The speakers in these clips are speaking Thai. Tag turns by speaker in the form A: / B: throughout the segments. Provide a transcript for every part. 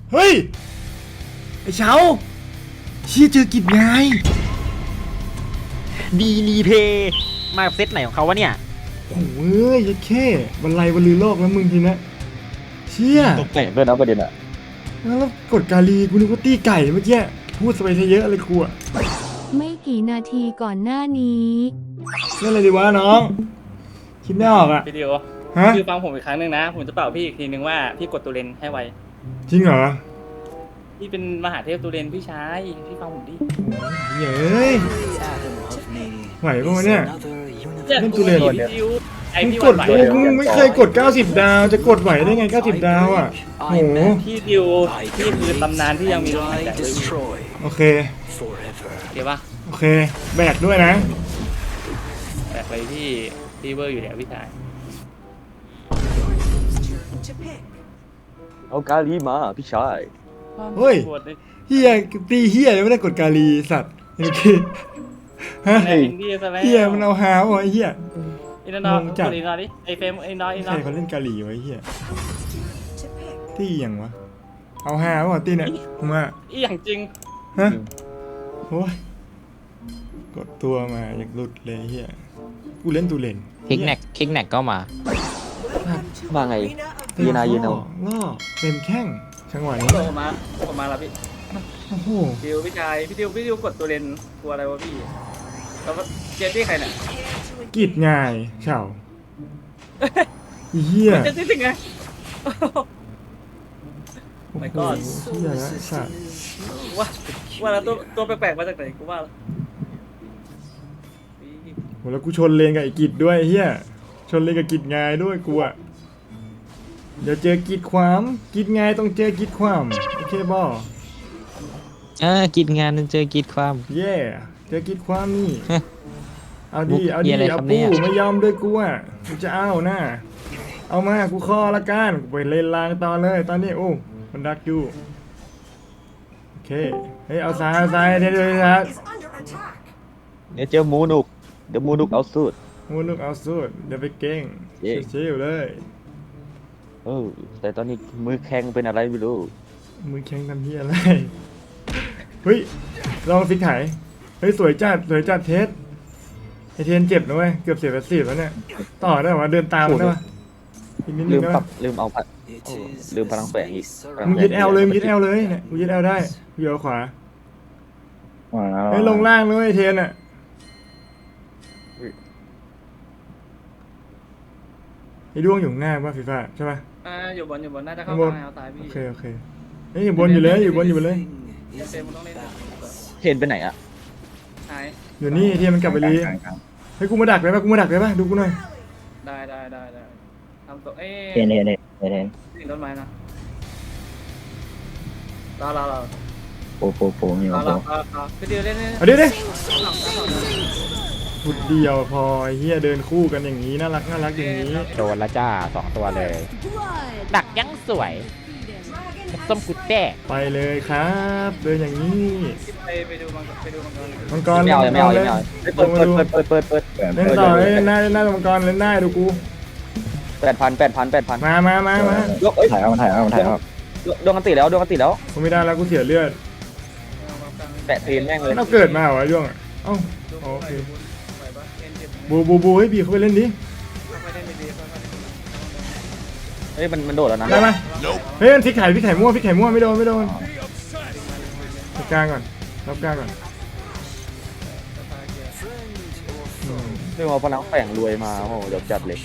A: เฮ้ยไอ้เช้าเชี่ยเจอกิจไง
B: ดีรีเพย์มาเซตไหนของเขาวะเนี่ย
A: โอ้ยยัดแค่บรรลัยบรรลือโลกแล้วมึงทีนะเชี่ย
C: ตกแต่งด้วยนะประเด็นอะ
A: แล้วกดกาลีกูนึกว่าตีไก่เมื่อกี้พูดไปซะเยอะเลยครูอะ
D: ไม่กี่นาทีก่อนหน้านี้
A: เล่นอะไรดีวะน้องคิดไม่ออกอะ
E: วิดีโอ
A: ฮะ
E: คือฟังผมอีกครั้งหนึ่งนะ ผมจะเป่าพี่อีกทีนึงว่าพี่กดตัวเลนให้ไว
A: จริงเหรอ
E: พี่เป็นมหาเทพตัวเลนพี่ชายพี่ฟังผมดิ
A: เย้ยไหวปะวะเนี่ย เล่นตัวเลน
E: พี่ดิวไอ
A: มึง
E: พี่
A: ก
E: วั
A: ด
E: นไหว
A: โอ้มึงไม่เคยกด90 ดาวจะกดไหวได้ไง90 ดาวอะโอ้โห
E: พี่ดิวพี่คือตำนานที่ยังมีลมหายใจเลย
A: โอเค
E: เดี๋ยวปะ
A: โอเคแบกด้วยนะ
E: แบกไปพี่เวอร์อยู่แล้วพี่ชาย
C: เอากาลีมาพี่ชาย
A: เฮ้ย
E: ปวดเลย
A: เฮียตีเฮียยังไม่ได้กดกาลีสัตว์เมื่อกี้ฮะ
E: แม่งพี่ซะแล้ว
A: เฮียมันเอาหาวะไอ้เฮีย
E: อินนอง
A: งงจัด
E: กดอินนอดิไอเฟมไอ้นออินน
A: ใค
E: อ
A: รเขาเล่นกาลีไวะไอ้เฮียตีอย่างวะเอาหาวะตีเนี่ยผมว่า
E: อีอย่างจริง
A: ฮะโอ้ยกดตัวมาอยากหลุดเลยเฮียกูเล่นตูเลน
B: คิกแนกก็มา
C: มาไงยืนนายืนเอา
A: ล่อเต็มแข้งจังหวะนี้
E: โผล่มาแล้วพี่
A: โอ้โห
E: ดิวพี่ชายพี่ดิวกดตัวเลนกลัวอะไรวะพี่แล้วเจตี้ใครเนี่ย
A: กีดง่ายเฉาอีเฮีย
E: เจตี้ถึงไง
A: โอ้
E: My
A: โห
E: God
A: เฮียละสัตว์
E: ว่าแล้วตัวแปลกๆมาจากไหนกูว่า
A: โหแล้วกูชนเลนกับไอ้กิจด้วยไอ้เฮียชนเลนกับกิจง่ายด้วยกูอะเดี๋ยวเจอกิจความกิจง่ายต้องเจอกิจความโอเคบอ
B: กินงานเจอกินความ
A: เย่เจอกิจความนี่
B: ฮะ
A: เอาดี
B: มุก
A: เอา
B: เหี้
A: ดี
B: ยอะไร
A: เอา
B: ครับเนี่
A: ปู้
B: ย
A: ไม่ยอมด้วยกูอะกูจะเอาหน้าเอามากูคอละกันกูไปเลนลางตอนเลยตอนนี้โอ้มันดักอยู่โอเคเฮ้ยเอาซ้ายเดี๋ยวครับ
C: เนี่ยเจอหมูนุกเดี๋ยวหมูนุกเอาสุด
A: มูนุกเอาสุดเดี๋ยวไปเก่ง
C: เย้
A: ชิวๆเลย
C: แต่ตอนนี้มือแข็งเป็นอะไรไม่รู้
A: มือแข็งทำเฮียอะไรเฮ้ยลองฟิกไถเฮ้ยสวยจัดเทสไอเทนเจ็บนะเว้ยเกือบเสีย80แล้วเนี่ยต่อได้ปะเดินตามมันได้ปะอีกนิดนึ
C: ลื
A: ง
C: ม
A: ได้
C: ปรั
A: ปะ
C: บลืมเอาพัดโอ้ลืมพลังแฝงอีกพลัง
A: มึง
C: แฝ
A: ยึดแอลเลยเนี่ยกูยึดแอลได้กูอยู่ขวาเฮ้ยลงล่างเลยไอเทนอะไอดวงอยู่ข้างหน้าป่ะฟีฟ่าใช่ป่ะ
E: อยู่บนน่าจะเข้า
A: ข้างบน
E: ทางเอาตายพี่
A: โอเคเฮ้ยอยู่บนอยู่เลยอยู่บนเลย
E: เฟมมันต้องเล่น
C: เห็นไปไหนอะ
E: หาย
A: อยู่นี่ไอเทนมันกลับไปรีเฮ้ยกูมาดักได้ปะดูกูหน่อย
E: ได้ทำตัว
F: เห็น
E: สิ่งต้นไม้นะรอ
F: โปมีมาโป
E: พี่ดิวเล่น
A: เอาดิพุดเดียวพอไอ้เฮียเดินคู่กันอย่างนี้น่ารักอย่างนี้
B: โดนละจ้า2 ตัวเลย ดักยังสวยส้มกุดแต้
A: ไปเลยครับ เดินอย่างนี้
E: ไปดูมังกร
A: มังกร
C: ไม่เอาเลยไม่เอาเลย
A: เปิด
C: เปิด
A: เล่นต่อเล่นได้มังกรเล่นได้ดูกู
C: 8,000
A: มา
C: ยกเอ้ย
F: ถ่ายเอา
C: ดวงกันติแล้ว
A: กูไม่ได้แล้วกูเสียเลือด
C: แปะตีนแม่งเลย
A: เราเกิดมาเหรอไอ้ย่วงอะเอ้าโอเคบูให้บีเขาไปเล่นดิ
C: เฮ้ยมันโดดแล้วนะ
A: ได้ไหมเฮ้ยมันพลิกไข่มั่วไม่โดนรับกลางก่อน
C: เรื่องเอาพลังแฝงรวยมาโอ้โหเดี๋ยวจัดเลย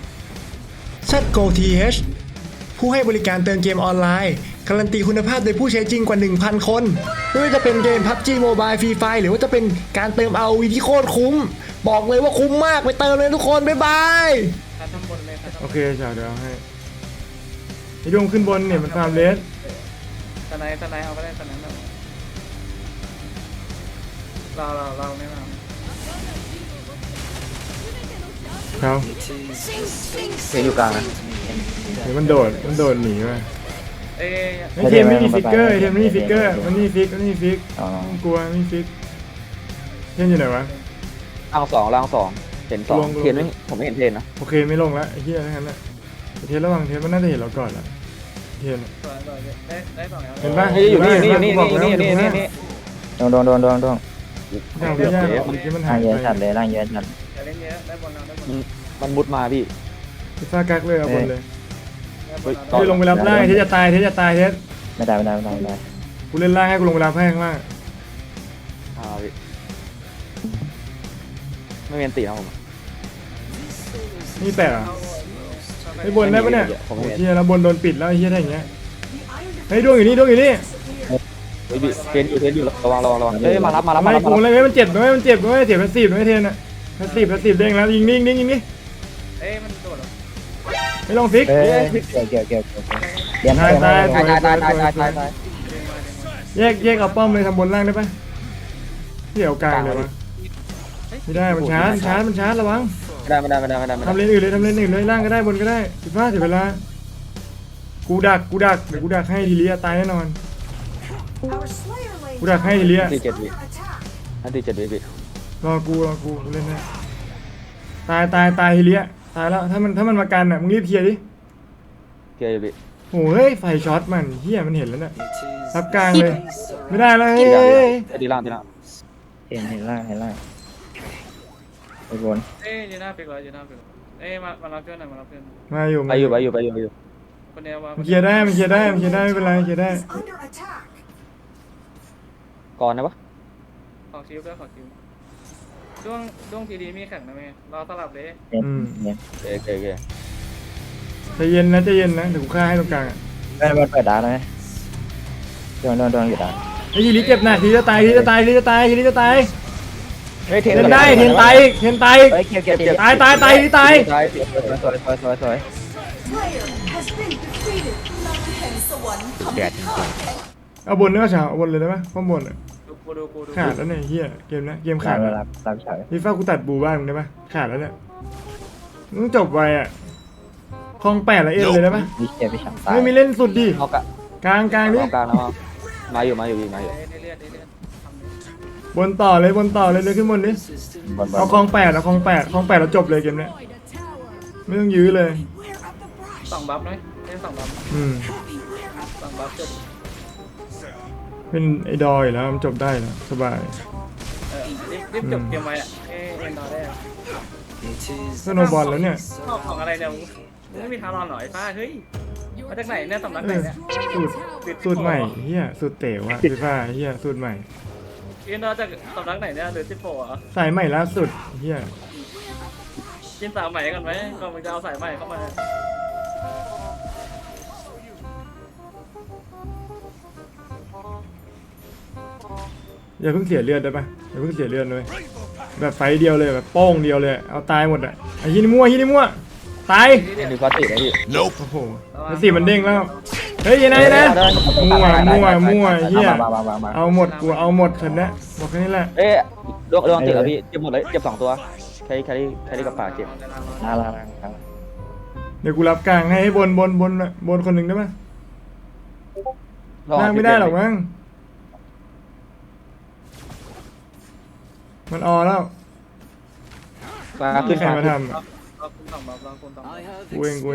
A: ZGoTH ผู้ให้บริการเติมเกมออนไลน์การันตีคุณภาพโดยผู้ใช้จริงกว่า 1,000 คนไม่ว่าจะเป็นเกม PUBG Mobile Free Fire หรือว่าจะเป็นการเติม ROV ที่โคตรคุ้มบอกเลยว่าคุ้มมากไปเติมเลยทุกคนบ๊ายบายโอเคจ้าเดี๋ยวให้ไอ้ดวงขึ้นบนเนี่ยมันตามเลส
E: ตะไนเอาไปได้ตะนั้นเราไม่มา
A: เขา
C: เสียงอยู่กลางนะ
A: เดี๋ยวมันโดดหนีมา
E: เอ้ย
A: ไอเทมไม่มีฟิกเกอร์มันนี่ฟิกมันนี่ฟิกไม่กลัวไม่ฟิกเทนอยู่ไหนวะ
C: ล่างสองเห็น2เทียนไม่ผมไม่เห็นเทียนนะ
A: โอเคไม่ลงแล้วไอ้เหี้ยทั้งนั้นแหละเทนระวังเทนมันน่าจะเห็นเราก่อนแล้วเทียน
E: สวยได้สองแล้ว
A: เห็นปะ
C: เฮ้ยอยู่นี่อยู่นี่
A: บอก
C: อยู่
A: แล้ว
C: นี่อยู่นี่อยู่นี่
F: โดน
A: ไม่
F: โดน
A: เอาไม่ยากหรอกเมื่อกี้มันหา
F: ล่าย งเยอะ
A: ไป
F: จัดเลยล่างเยอะจัด
E: อย่าเล่นเยอะได้บอลเราได้บอล
C: มันมุดมาพี่
A: พี่ฟ้ากักเลยเอาบนเลย
E: ได้บอล
C: ต่อ
A: เฮ้ยลงไปรับล่างเทสจะตายเทสจะตายเทส
F: ไม่ได้
A: กูเล่นล่างให้กูลงไปรับให้ข้างล่าง
C: พี่ไม่มีอันตีนะผม
A: นี่แปะเหรอไอ้บนได้ปะเนี่ย
C: ผม
A: โอ้
C: ไม่
A: ย
C: เห็น
A: เฮียแล้วบนโดนปิดแล้วไอ้เฮียได้อย่างเงี้ยเฮ้ยดวงอยู่นี่ดวงอยู่นี่
C: เฮ้ยพี่เทนอยู่ระวังเฮ้ยมารับ
A: ไม่กูเลยมันเจ็บด้วยมันเจ็บด้วยเจ็บแพสซีฟด้วยเทนอะแพสซีฟเด้งแล้วยิงนี่ยิงนี่
E: เอ้ยมันโดดหรอ
A: ไม่ลองฟิก
F: เกี่ยวเดี๋ยว
A: ตาย
C: ตาย
A: แยกเอาป้อมเลยทำบนล่างได้ปะเดี๋ยวกลางเลยวะไม่ได้มันชาร์จระวัง
C: ไม่ได้
A: ทำเลนอื่นเลยล่างก็ได้บนก็ได้15เสียเวลากูดักเดี๋ยวกูดักให้ทีเลียตายแน่นอนกูดักให้ทีเลีย
C: ตี7วิอันตี7วิพี่
A: รอกูเล่นได้ตายทีเลียตายแล้วถ้ามันมากันอ่ะมึงรีบเคลียร์ดิ
C: เกียร์พี่
A: โอ้เฮ้ยไฟช็อตมันเฮียมันเห็นแล้วเนี่ยรับกลางเลยไม่ได้แล้วเฮ้ย
C: ตีล่าง
F: เห็นล่างไปบน
E: เอ้ยยืนหน้าปิกเลยเอ้ยมารับเพื่อนหน่อยมารับเพื่อน
A: มาอยู่
C: ไปอยู่
E: คนเดียวว่า
A: มันเคลียร์ได้ไม่เป็นไรเคลียร์ได้
C: ก่อนนะปะ
E: ขอคิวด้วยขอคิวด้วงทีดีมีแข่งนะแม่รอสลับเลย
F: เห็น
C: โอเค
A: ใจเย็นนะเดี๋ยวกูฆ่าให้ตรงกลางอ่ะ
F: ได้บอลเปิดดาวไหมโดนอยู่ดาว
A: ไอ้ทีนี้เจ็บหนักทีจะตาย
C: เฮ้ยเทน
A: เทนได้เทนตาย
F: เฮ้ยเกี่ยว
A: ตาย
F: สวย
B: เดือดจริง
A: เอาบนได้ป่ะฉาวเอาบนเลยได้ป่ะป้อมบนอ่ะ
E: ดู
A: ขาดแล้วเนี่ยเฮียเกมนะเกม
F: ขา
A: ขา
F: ด
A: ดแล้ว
F: รับเฉย
A: พี่ฟ้ากูตัดบูบ้านมึงได้ป่ะขาดแล้วเนี่ยมึงจบไวอ่ะคลอง8ละเอ็นเลยได้ป่ะ
F: มีเกียร์ไปฉ่ำตาย
A: ไม่มีเล่นสุดดิ
C: เอากะ
A: กลางนี่
C: กลางนะมาอยู่
E: ได้เลือด
A: บนต่อเลยเลยขึ้นบนดิ
F: บน
A: เอาคลอง8เราจบเลยเกมเนี้ยไม่ต้องยื้อเลย
E: สองบัฟไหมเล่นสองบัฟ สองบัฟจบ
A: เป็นไอ้ดอยแล้วมันจบได้แล้วสบาย
E: รีบจบเกมไว้อะเอ็นดอได้
A: ก็โนบอลแล้วเนี่ย
E: ชอบของอะไรเนี่ยมึงไม่มีทางรอนหน่อยป้าเฮ้ยมาจากไหนเนี่ยสำนักไหนเนี่ย
A: สูตรใหม่เฮียสูตรเต๋วอะพี่ฟ้าเฮียสูตรใหม่
E: เอ็นดอจากสำนักไหนเนี่ยหรือสิบโฟอ่ะ
A: สายใหม่ล่าสุดเฮีย
E: กินสาวใหม่กันไหมก่อนมึงจะเอาสายใหม่เข้ามา
A: อย่าเพิ่งเสียเลือดได้ปะอย่าเพิ่งเสียเลือดเลยแบบไฟเดียวเลยแบบโป้งเดียวเลยเอาตายหมดอ่ะไอ้ที่นี่มั่วตาย
C: เทนดูฟาตินะพี่
A: โอ้โหแล้วสีมันเด้งแล้วเฮ้ยยังไงนะมั่วเฮีย
F: มา
A: เอาหมดกูเอาหมดฉันนะบอกแค่นี้แหละ
C: เอ๊ะดวงติดแล้วพี่เจ็บหมดเลยเจ็บ2ตัวใครกับปากเจ็บ
F: ล่าง
A: เดี๋ยวกูรับกลางให้บนคนหนึ่งได้ปะนั่งไม่ได้หรอกมั้งมันออแล้ว
C: ปากขึ้น
A: ใคร
C: ปาก
A: มา
C: ขึ้น
A: ทำอะ
E: เราคุณสองบัฟเราคุณสองบัฟ
A: กูเอง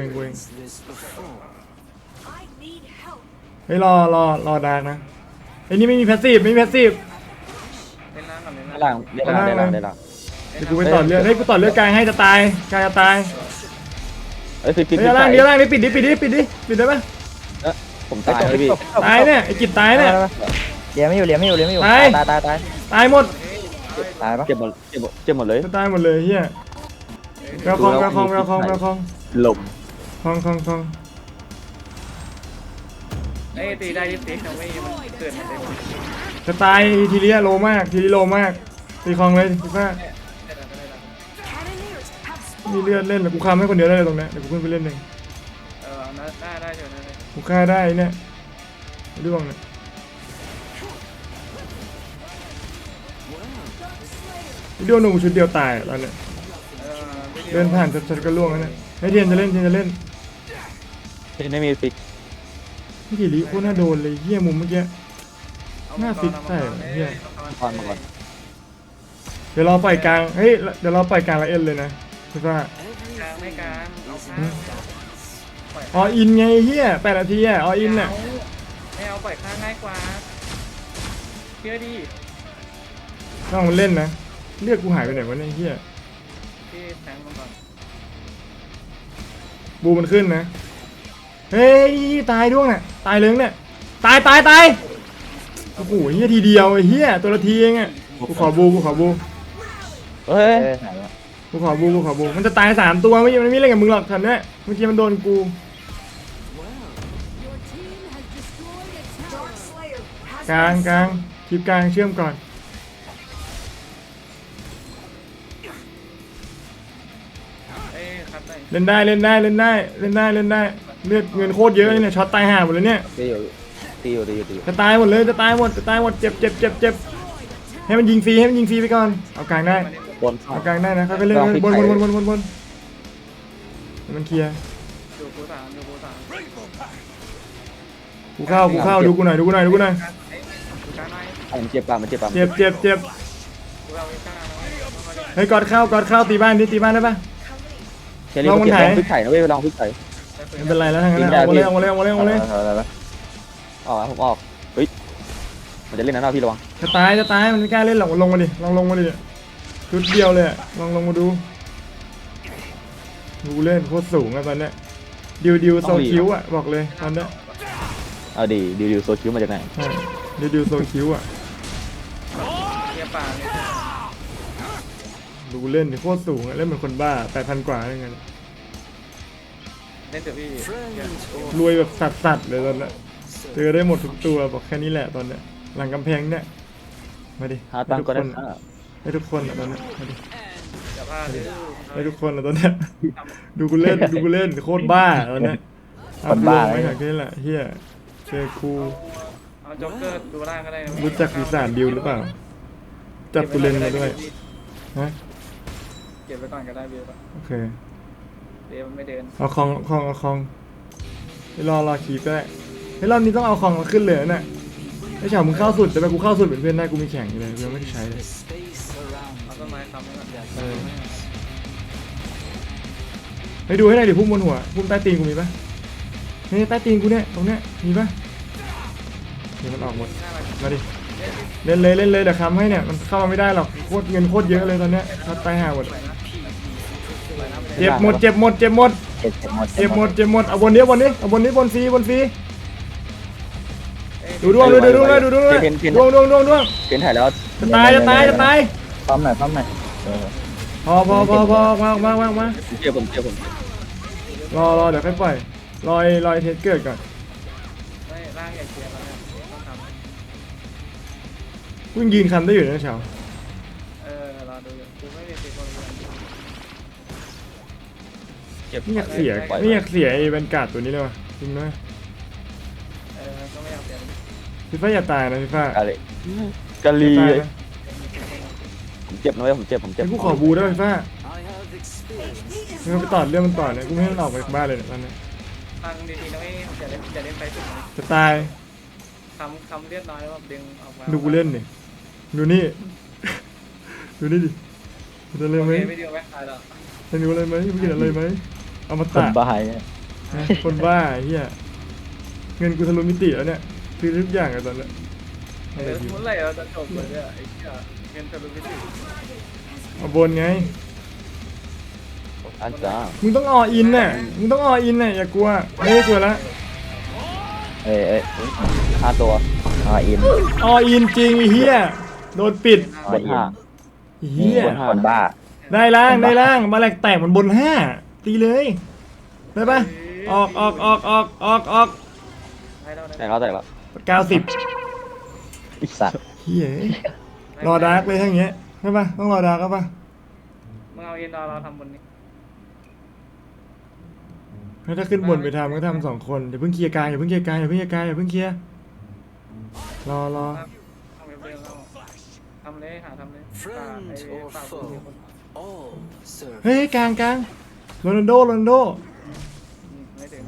A: เฮ้ยรอดาร์กนะไอ้นี่ไม่มีแพสซีฟ
E: เล่นน้ำกับเล่น
C: ด้าน
E: น้ำ
C: ล่างเดี๋ยวล่าง
A: เดี๋ยวกูไปต่อเลือดให้กูต่อเลือดกลางให้จะตายกลางจะตาย
C: เอ้ยฟิก
A: เฮ้ยล่างนี่ปิดได้ปะ
C: ผมตายเลยพี่
A: ตายเนี่ยไอ้กิจตายเนี่ย
F: เลี้ยไม่อยู่ตาย
A: ตายหมด
F: ตายปะ
C: เจ็บหมดเลย
A: จะตายหมดเลยเฮียแววคอง
C: หลบ
A: คอง
E: เอ้ยตีได้ตีนะไม่มันเกิดมาเต็ม
A: จะตายทีเรียโลมากตีคองเลยพี่ฟ้ามีเลือดเล่นแต่กูฆ่าให้คนเดียวได้เลยตรงนี้เดี๋ยวกูขึ้นไปเล่นเอง
E: ได้เฉยนะ
A: กูฆ่าได้เนี่ยด้วงเนี่ยด้วงหนูชุดเดียวตายตอนเนี้ยเดินผ่านชัดๆก็ล่วงแล้วเนี่ยให้เทียนจะเล่น
C: เทนไม่มีฟิก
A: พี่กิริโคตรน่าโดนเลยเฮียมุมเมื่อกี้หน้าฟิกใส่เฮีย
C: ก่อนมาก่อน
A: เดี๋ยวเราปล่อยกลางเฮ้ยเดี๋ยวเราปล่อยกลางละเอ็นเลยนะพี่ฟ้าก
E: ลางไม่กลางเอากลางปล่อย
A: ออินไงเฮีย8 นาทีอ่ะออินอ่ะ
E: ไม่เอาปล่อยข้างง่ายกว่าเชื่อดิ
A: ต้องมันเล่นนะเลือกกูหายไปไหนวะเนี่ยเฮีย
E: พี่แทงมันก่อน
A: บูมันขึ้นนะเฮ้ยตายด้วงเนี่ยตายเลิงเนี่ยตายโอ้โหเฮียทีเดียวไอ้เฮียตัวละทีเองอ่ะกูขอบู
C: เฮ้ย
F: เอ้ยไหนวะ
A: กูขอบูมันจะตาย3 ตัวมันไม่เล่นกับมึงหรอกทันเนี่ยเมื่อกี้มันโดนกูกลางคลิปกลางเชื่อมก่อน
E: เอ้ยครับได้
A: เล่นได้เลือดเงินโคตรเยอะเลยเนี่ยช็อตตายห่าหมดเลยเนี่ย
C: ตีอยู่
A: จะตายหมดเลยจะตายหมดเจ็บให้มันยิงฟรีไปก่อนเอากลางได้
C: บน
A: เอากลางได้นะเขาก็เล่นบนมันเคลียร์
E: ดูกูสาม
A: กูเข้าดูกูหน่อย
E: ดูกลางไหน
C: มันเจ็บป่ะ
A: เจ็บ
E: ดูเราไม่กล้านะ
A: เฮ้ยกอดเข้าตีบ้านได้ปะ
C: แครี่เขาเก็บลองพลิกไข่นะเว้ยลองพลิกไข่
A: ไม่เป็นไรแล้วทั้งนั้นเอาเลย
F: อะไรวะ
C: ผมออกเฮ้ยมันจะเล่นนะพี่ระวัง
A: จะตายมันไม่กล้าเล่นหรอกลงมาดิลองลงมาดิชุดเดียวเลยลองลงมาดูเล่นโคตรสูงอะตอนเนี้ยดิวโซคิวอะบอกเลยตอนเนี้ย
C: เอาดิวโซคิวมาจากไหน
A: ใช่ดิวโซคิวอะ
E: เทียป่าเนี่ย
A: ดูเล่นโคตรสูงอะเล่นเหมือนคนบ้า 8,000 กว่าอะไรเงี้ย
E: เล่นเถอะพี่
A: รวยแบบสัตว์เลยตอนเนี้ยเจอได้หมดทุกตัวบอกแค่นี้แหละตอนเนี้ยหลังกำแพงเนี่ยมาดิ
C: หาตังก็ได้
A: ให้ทุกคนอะตอนเนี้ยมาดิ
E: จะพลาดเลย
A: ให้ทุกคนอะตอนเนี้ยดูกูเล่นโคตรบ้าตอนเนี้ยไม่หักแค่นี้แหละเฮียเจอครู
E: เอาจ็อกเกอร์ดูล่างก็ได้นะ
A: รู้จักปีศาจดิวหรือเปล่าจับกูเล่นมาด้วยฮะ
E: เก็บไว้ก่อนก็ได้เบียร์
A: โอเค
E: เบียร์มันไม่เดิน
A: เอาคองให้รอคีบก็ได้ให้รอบนี้ต้องเอาคองมาขึ้นเลยนะไอ้เฉามึงเข้าสุดแต่ไปกูเข้าสุดเป็นเพื่อนได้กูมีแข่งอยู่เลยกูยังไม่ได้ใช้เลย
E: เอาต้นไม้ค้ำไว้ก่อน
A: ให้ดูให้หน่อยดิพุ่มบนหัวพุ่มใต้ตีนกูมีปะนี่ใต้ตีนกูเนี่ยตรงเนี้ยมีปะเดี๋ยวมันออกหมดมาดิเล่นเลยเดี๋ยวค้ำให้เนี่ยมันเข้ามาไม่ได้หรอกโคตรเงินโคตรเยอะเลยตอนเนี้ยทัดตายห่าหมดเจ็บหมดเอาบนนี้เอาบนฟรีดูดวงดวง
C: เปลี่ยนถ่ายแล้ว
A: จะตาย
F: พร้อมหน่อย
A: พอมา
C: เจ็บผม
A: รอเดี๋ยวค่อยปล่อยรอยเทสเกิดก่อน
E: ไม่ร่างใหญ่เกียร์แล้วเนี่ยต้องทำ
A: กูยืนคันได้อยู่นะเฉาร
E: อดูอยู่กูไม่มีสิทธิ์คนเดียว
C: เจ็บ
A: ไม่อยากเสียไอ้แวนการ์ดตัวนี้เลยว่ะจริงไหม
E: ก็ไม่อยากเปลี่ยน
A: พี่ฟ้าอย่าตายนะพี่ฟ้าก
C: ะลี
A: ตายนะ
C: ผมเจ็บนะเว้ยผมเจ็บ
A: ให้กูขอบูได้พี่ฟ้ามึงไปต่อเรื่องมันต่อเนี่ยกูไม่ให้มันออกไปจากบ้านเลยเนี่ยตอนนี้
E: ฟังดีๆนะไม่อย่าเล่นไปสุด
A: จะตาย
E: คำเรียบร้อยแล้วแบบดึงออกมา
A: ดูกูเล่นดิดูนี่ ดูนี่ดิมันจะเลยไหม
E: ไม่ดีไม่ตายหรอก
A: จะมีอะไรไหมมึงกินอะไรไหมเอามา
F: คน
A: ตัด
F: บ้าเนี่ย
A: คนบ้าเฮียเงินกูทะลุมิติแล้วเนี่ยซื้อทุกอย่างอะตอนเนี้ยอะไรดี
E: เมื่อไหร่เราจะจบเลยเนี่ยไอ้เหี้ยเงินทะลุมิติ
A: เอาบนไง
C: อันจ้า
A: มึงต้องออินน่ะอย่ากลัวไม่ได้กลัวละ
F: เอ้ย
C: 5 ตัว
F: อิน
A: ออินจริงไอ้เฮียโดนปิด
C: บน
A: ไอ้เฮีย
F: คนบ้า
A: ได้ล่างมาแหลกแตกมันบน5ตีเลยได้ปะออก
E: ให้เรา
C: 5แต่แล้ว
A: 90
F: อีสัตว์
A: เฮียรอดาร์กเลยทั้งเงี้ยใช่ปะต้องรอดาร์กปะ
E: มึงเอาเอ็นดอร์เราทำบนนี้
A: ถ้าขึ้นบนไปทำก็ทำ2 คนอย่าเพิ่งเคลียร์กลางอย่าเพิ่งเคลียร์รอ
E: ทำเว็บเดิมเราทำเลยหาทำเลยฝาก
A: เฮ้ยกลางโรนัลโด
E: ไม่ถึง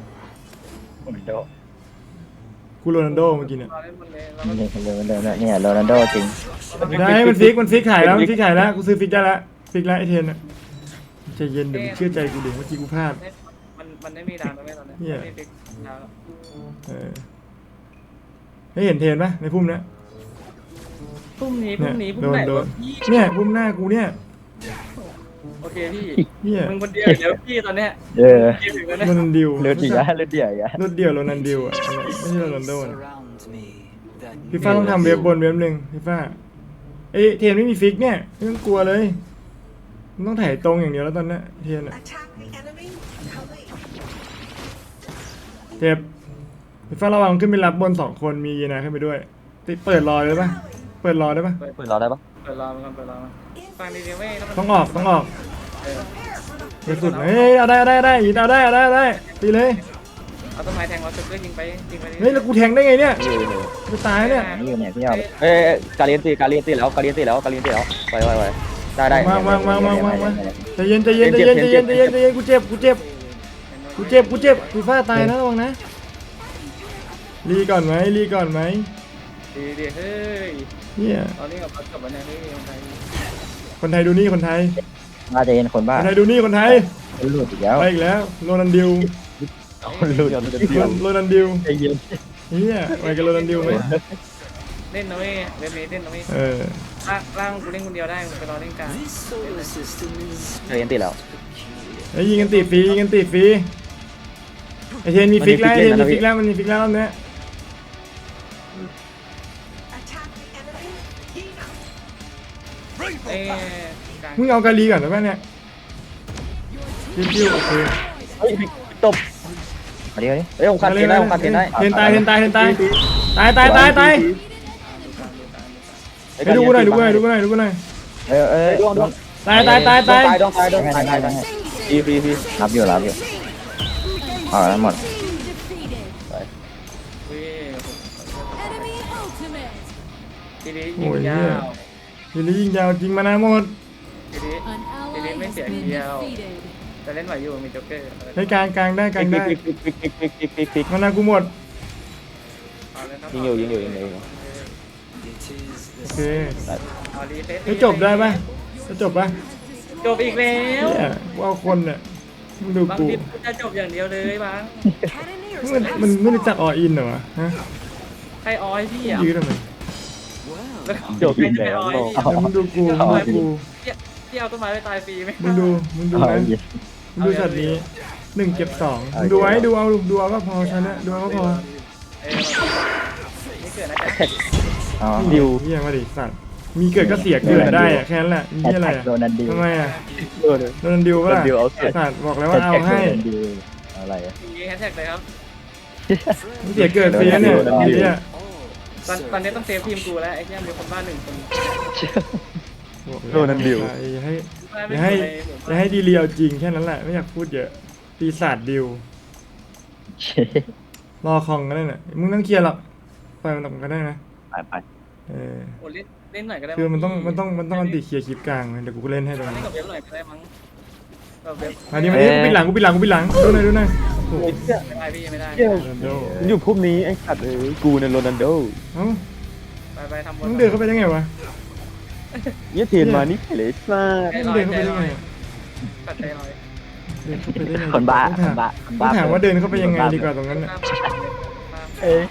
A: กูโรนัลโดเมื่อกี้เนี่ย
E: เราเล่นบนเลยเรา
F: เนี่ยโรนัลโดจริง
A: ได้มันฟิกขายแล้วกูซื้อฟิกได้แล้วฟิกแล้วไอเทนอะใจเย็นเดี๋ยวมึงเชื่อใจกูดิเมื่อกี้กูพลาด
E: มันมันไม่มีดาวแล้วไม่ตอนเนี้ย
A: เหี้ย
E: ไม่มีฟิกดาวแล้ว
A: เออให้เห็นเทรนปะในพุ่มเนี้ย
E: พรุ่งนี้
A: เนี่ย
E: พรุ่งไหน
A: โด
E: วะ
A: น
E: พี่
A: เนี่ยพุ่มหน้ากูเนี่ย
E: โอเคพี่
A: เนี่ย
E: มึงคนเดียวเดี๋ยวพี่ตอนเนี้ย
F: เออ
E: เกมถึงแล้วเนี่ย
A: โรนัลดิว
F: เลือดอีกแล้วเลือดเดี่ยวอีกแล้ว
A: รถเดียวโรนัลดิวอ่ะไม่ใช่โรนัลโดนะพี่ฟ้าต้องทำเว็บบนเว็บหนึ่งพี่ฟ้าเอ้ยเทรนไม่มีฟิกเนี่ยไม่ต้องกลัวเลยมันต้องถ่ายตรงอย่างเดียวแล้วตอนเนี้ยเทรนอะเทปพี่ฟ้าระวังขึ้นไปรับบน2 คนมียีนาขึ้นไปด้วยติเปิดรอเลยปะเปิดรอได้ปะ
C: เปิดรอได้ปะ
E: เปิดรอมันก่อนเปิดรอมันฟังดีๆไม่ถ้ามัน
A: ต้องออกต้องออก
E: เออ
A: ไปสุดเฮ้ยเอาได้ยีนเอาได้ตีเลย
E: เอาต้นไม้แทงวอลสึกก็ยิงไปดิ
A: เฮ้ยแล้วกูแทงได้ไงเนี่ย
C: อยู่อยู่
A: กูตายเนี่ย
F: นี่อยู่เนี่ยพี่เอา
C: เอ้ยการเรียนตีแล้วไปได้
A: มาใจเย็นกูเจ็บพี่ฟ้าตายนะระวังนะรีก่อนไหม
E: ดีเฮ้ย
A: เนี่ย
E: ตอนนี้กับพัดกับวันนี้ไม่มีคนไทย
A: คนไทยดูนี่คนไทย
F: น่าจะเห็นคนบ้า
A: ดูนี่คนไทย
F: คนหลุดอีกแล้ว
A: ไปอีกแล้วโรนัลดิว
F: คนหลุด
A: โรนัลดิว
F: ใจเย็น
A: เนี่ยไปกับโรนัลดิวไหม
E: เล่นนะเว้ยเล่นเล่นนะเว้ย
A: เออ
E: ร่างกูเล่นคนเดียวได้มึงไปรอเล่นกลาง
C: เรียนตีแล้ว
A: ไอ้ยิงกันตีฟรีไอเทนมีฟิกแล้วมันมีฟิกแล้วรอบเนี้ย
E: เอ้กลาง
A: มึงเอากาลีก่อนได้ไหมเนี่ยจิ้วโอเค
C: เฮ้ยตบ
F: มาเดี๋ยวนี้
C: เฮ้ยผมคัดเทนได้ผมคัดเทนได้
A: เทนตายไปดูกูหน่อย
F: เออ
C: ดวง
A: ตาย
C: ดวงตายฟรี
F: รับอยู่เอาแล้วหมด
E: เว้ยทีนี้ยิ
A: โอ้
E: ง
A: ย
E: ยา
A: เนี่ยว ทีนี้ยิงยาวจริงมานาหมด
E: ทีนี้ไม่เสียเดียวแต่เล่นไหวอยู่มีจ็อกเกอร์
A: ให้กลางได้
C: ฟิก
A: มานากูหมดโอเค ให้จบได้ปะจะจบปะ
E: จบอีกแล้ว
A: เนี่ยกูเอาคนเนี่ยมึงดู
E: บาง
A: กู
E: ทีจะจบอย่างเดียวเลยบาง
A: มันไม่รู้จักออินเหรอวะฮะ
E: ใครออยพี่อ่ะ
A: ยืดทำไม
C: จบอีก
E: ใคร
C: แล้ว
E: ออยพี่
A: เดี๋ยวมึงดูกู
E: ที่เอาต้นไม้ไปตายฟรีไหม
A: มึงดูนะมึงดูสัตว์นี้1 เก็บ 2มึงดูไว้ดูเอาก็พอชนะดูเอาก็พอ
E: ไม่เกิดนะจ๊ะ
F: อ๋อ
A: ดิวเฮียมาดิสัตว์มีเกิดก็เสียเกิดได้อะแค่นั้นแหละมีอะไรอะ
F: โดนันดิว
A: ทำไมอะโดนดิวปะล่ะสัตว์บอกแล้วว่าเอาให้
F: อะไร
E: มีแฮชแท็กเลยครับ
A: มึงเสียเกิดฟรีนะเนี่ยทีเนี้ย
E: ตอนนี้ต้องเซฟทีมกูแล้วไอ้เนี่ยมีคนบ้าน1 คน
A: โดนดิวอย่าให้ดีเรียวจริงแค่นั้นแหละไม่อยากพูดเยอะปีศาจดิวรอคองก็ได้น่ะมึงต้องเคลียร์หรอกปล่อยมันตกก็ได้นะ
F: ไป
A: เออ
E: โอ้เล่นหน่อยก็ได้
A: คือมันต้องอันติเคลียร์คลิปกลางเดี๋ยวกูเล่นให้ตรง
E: เล่น
A: นี้
E: กับเว็บหน่อยก็ได้มั้งกับเว็บ
A: มาดิกูปิดหลังดูหน่อย
E: ไม่
A: โอ้
E: ได้พี่ไม่ได้
A: โรนัลโด
C: อยู่พุ่มนี้ไอ้สัตว์กูเนี่ยโรนัลโด
A: เอ้า
E: ไปทำบน
A: มึงเดินเข้าไปได้ไงวะ
C: เนี่ยเทนมานี่เลยซ่า
A: มึงเดินเข้าไปได้ไง
E: ตัดใจหน่อย
A: เดินเข้าไปได้ไง
F: คนบ้า
A: ต้องถามว่าเดินเข้าไปยังไงดีกว่าตรงนั้นน่ะ
F: เอ้ย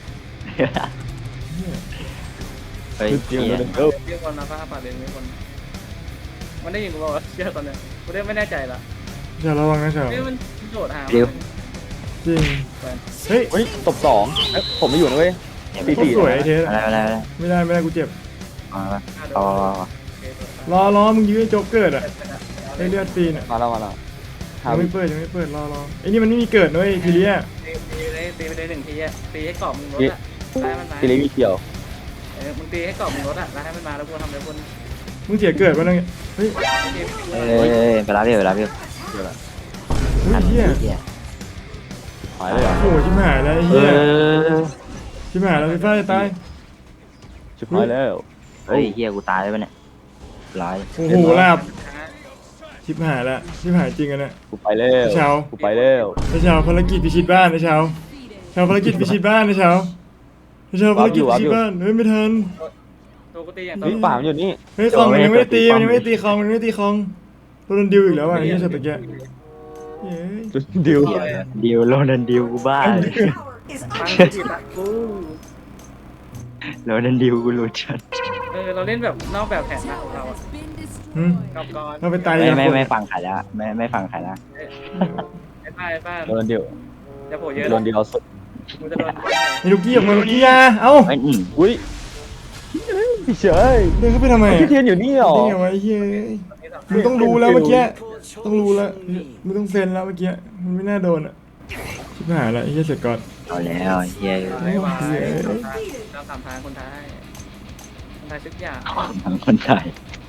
F: เฮ้ย
C: เดียวโรนัลโด
E: เรียกคนนะป้าป่าเรียนไม่คนมันได้ยินกูบอกว่าเชื่อตอนเนี้ยกูได้ไม่แน่ใจละ
A: อย่าระวังนะเฉา
E: เฮ้ยมันโดดหา
A: จริงเฮ้ย
C: เฮ้ยตบ2ผมไม่อยู่นะเว้ย
A: สวยไอเทส
F: อะไร
A: ไม่ได้กูเจ็บ
F: อ๋อ
A: รอมึงยื้อโจ๊กเกิดอ่ะไอเลือดปีนอ่ะ
C: มาแล้ว
A: ยังไม่เปิดรอไอนี่มันไม่มีเกิดด้วยทีเนี้ย
E: ตีไปได้1 ทีอ่ะตีให้กรอบมึงรถอ่ะได้มันมา
C: ตีเล็กมีเกี่ยว
E: มึงตีให้กรอบมึงรถอ่ะแล้วให้มันมาแล้วกูทำอะไรบน
A: มึงเสียเกิดวะนั่งเฮ้ย
F: เอ้ยไปรับอยู่
A: เฮีย
C: หายเลยเหรอ
A: โอ้ชิบหายแล้วไอ้เฮียชิบหายแล้วพี่ฟ้าจะตาย
C: ชิบหายแล้ว
F: เฮ้ยเฮียกูตายแล้วเนี่ยร้าย
A: โอ้โหลาบชิบหายแล้วชิบหายจริงอะเนี่ย
C: กูไปแล้ว
A: เช้า
C: กูไปแล้ว
A: ไอ้เช้าภารกิจพิชิตบ้านไอ้เช้าภารกิจพิชิตบ้านไอ้เช้าภารกิจพิชิตบ้านเฮ้ยไม่ทัน
E: ตัวกูตีอย่าง
C: นี่ป่ามันอยู่นี่
A: เฮ้ยคองมันยังไม่ได้ตีคองโดนดิวอีกแล้วอ่ะไอ้เหี้ยสัตว์ตะเกียเย้ย
C: ดิว
F: ดิวโรนันดิวกูบ้าเลย
E: ฟังกูดิตัดกู
F: โรนันดิวกูรู้จัด
E: เราเล่นแบบนอกแบบแผนนะของเราอะ
A: หืม
E: กับก่อน
A: เราไปตาย
F: ไม่ฟังใครละไม่ฟังใครละ
E: ไอ้ป้า
C: โดนดิว
E: จะโผล่เยอะ
C: โดนดิวเอาสุด
E: กูจะโดน
A: ไอ้ลูกกี้ออกมาลูกกี้อ่ะเอ้า
F: ไอ้ย
C: อุ้ยพี่เฉย
A: เดินเข้าไปทำไม
C: พี่เทียนอยู่นี่เหรอ
A: นี่ไงวะไอ้เหี้ยมึงต้องรู้แล้วเมื่อกี้ต้องรู้แล้วมึงต้องเซ็นแล้วเมื่อกี้มันไม่น่าโดนอ่ะชิบหายละไอ้เหี้ยเสร็จก่อน
F: เอาแล้วเฮีย
E: ไม่ไหวเราสามทางคนไทยทุกอย่าง
F: ทั้งคนไทย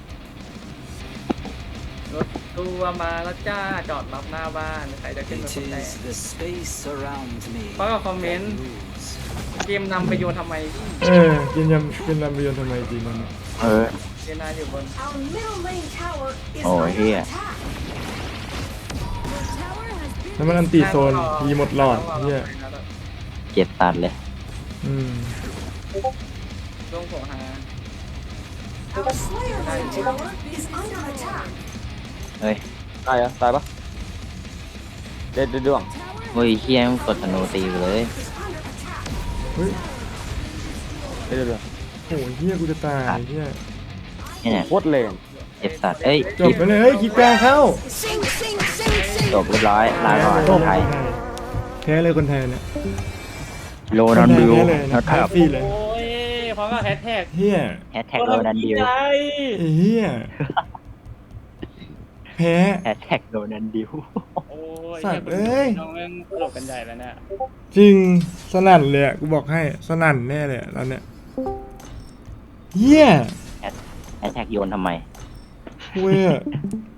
E: รถตัวมาแล้วจ้าจอดรับหน้าบ้านใครจะขึ้นมาคนแรก
G: the space around me
E: เพราะกับคอมเมนต์เกมนำไปโยนทำไม
A: กินยำเป็นลำเบียนทำไมจริงมัน
E: เจนาอยู่บน
F: โอ้เฮีย
A: แล้วมันอันตีโซนทีหมดหลอดเหี้ย
F: เจ็บตัดเลย
E: ลงโผล่หา
F: เฮ้ย
C: ตายอะตายปะเด็ดดวง
F: เฮ้ยเฮียมึงกดธนูตีกูเลย
A: เฮ้ย
C: เด็ดดวง
A: โอ้ยเหี้ยกูจะตายเหี้ย
F: เนี่ย
C: โคตรเลน
F: เจ็บสัตว์เอ้ย
A: จบไปเลยเฮ้ยคิดกลางเข้า
F: จบเรียบร้อยลาก่อนคนไทย
A: แพ้เลยคนไทยเนี่ย
F: โรนันดิว
A: แพ้เลย
F: นะค
A: แพ้
F: รับ
A: ฟรีเลย
E: โอ้ยเพราะก็แฮชแท็ก
A: เฮีย
F: แฮชแท็กโรนันดิว
A: ไอ้เฮียแพ้
F: แฮชแท็กโรนันดิว
E: โอ้ย
A: สัตว์เอ้ย
E: น้องแม่งตลกกันใหญ่แล้วเนี่ย
A: จริงสนั่นเลยอะกูบอกให้สนั่นแน่เลยอะตอนเนี้ยเฮีย
F: แฮชแท็กโยนทำไม
A: เว้ย